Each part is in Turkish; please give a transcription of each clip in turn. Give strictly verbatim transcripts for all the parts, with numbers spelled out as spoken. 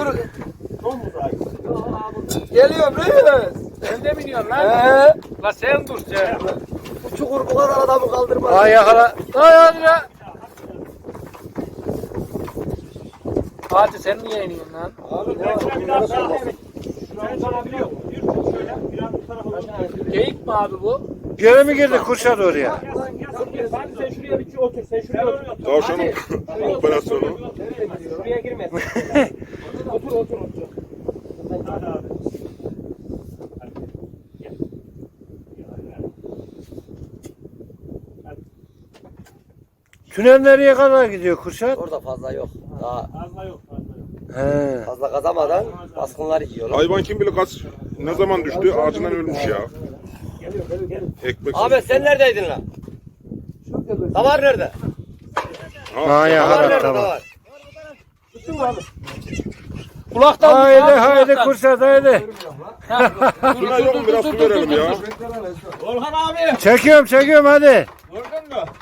Buyur. Geliyorum reis. Sen de biniyorsun lan. He. La sen dur sen. Bu çukur bu kadar adamı kaldırmaz. Ay yakala. Ay hadi ya. Fatih sen niye iniyorsun lan? Abi ne var? Geyik mi abi bu? Geri mi girdi Kurşat oraya? Fatih sen şuraya bir otur. Sen şuraya otur. Tavşanın operasyonu. Şuraya girme. Otur otur otur. Hadi abi. Tünel nereye kadar gidiyor Kurşat? Orada fazla yok. Daha Fazla yok fazla yok. He. fazla kazamadan baskınlar yiyorlar. Hayvan kim bilir kaç ne zaman düştü ağacından ölmüş ya. Ekmek. Ahmet sen neredeydin lan? Davar nerede? Ha Davar yakala nerede tamam. davar? Kulaktan Haydi tut abi, haydi kulaktan. Kurşat haydi. Şuna yok mu biraz su verelim ya. Orhan abi. Çekiyorum çekiyorum hadi. Gördün mü?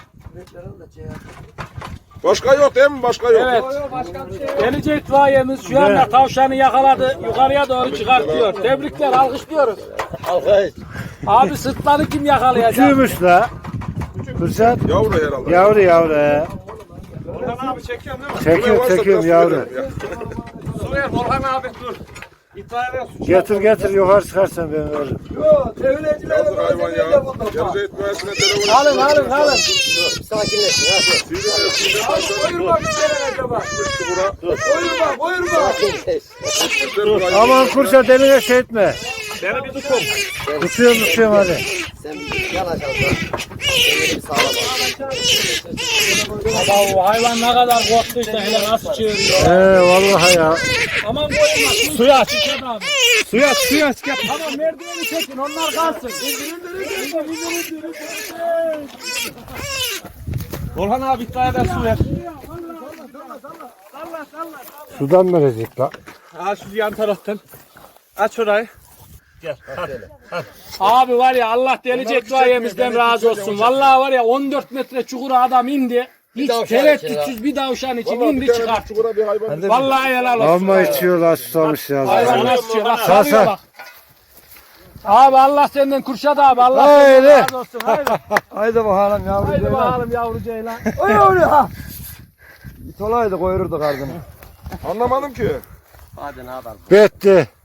Başka yok değil mi? Başka yok. Evet. Delice itfaiyemiz şu anda tavşanı yakaladı. Yukarıya doğru çıkartıyor. Tebrikler, alkışlıyoruz. Alkış. Abi sırtları kim yakalayacak? Küçüğümüş la. Kurşat. Yavru herhalde. Yavru yavru he. Orhan abi çekiyorsun değil mi? Çekiyorum Varsa çekiyorum biraz su yavru. verelim ya. Su ver Orhan abi dur. İtfaiye ver su. Getir getir yukarı çıkarsan ben veririm. Yok, tevhidciler Yazık hayvan ya. Gelecek mühendisine telefon Alın alın alın. Sakinleşin ha. Sizin evsinde tavşanın Buyur bak içeri acaba. düştü bura. Buyur bak buyur bak. Güzel bir hayvan. Aman Kurşat eline şey etme. Beni bir tutun. Tutuyorum tutuyorum hadi. Sen bir yanacaksın ha. Kendini bir sağlam al. Baba o hayvan ne kadar korktuysa hele nasıl çığırıyor. He vallahi ya. Aman koyun bak. Suya aç İkram abi. Suya aç suya aç. Gel. Tamam merdiveni çekin onlar kalsın. Orhan abi itfaiyeden su ver. Sudan verecek la. Ha şu yan taraftan. Aç orayı. Gel. Abi var ya Allah delice itfaiyemizden razı olsun. Vallahi var ya on dört metre çukura adam indi. Hiç tavşan tereddütsüz bir tavşan için Vallahi indi bir tane çıkarttı. çukura bir hayvan. Vallahi helal olsun. Amma içiyorlar susamış ya. Hayvan nasıl çıkıyor? Bak Sağ, sarıyor sağ. bak. Abi Allah senden Kurşat abi. Allah Haydi. senden razı olsun. Haydi. Haydi bakalım yavru Haydi bakalım yavru ceylan. Oy oy ha. İt olaydı koyururduk ardını. Anlamadım ki. Hadi ne yapalım. Bitti.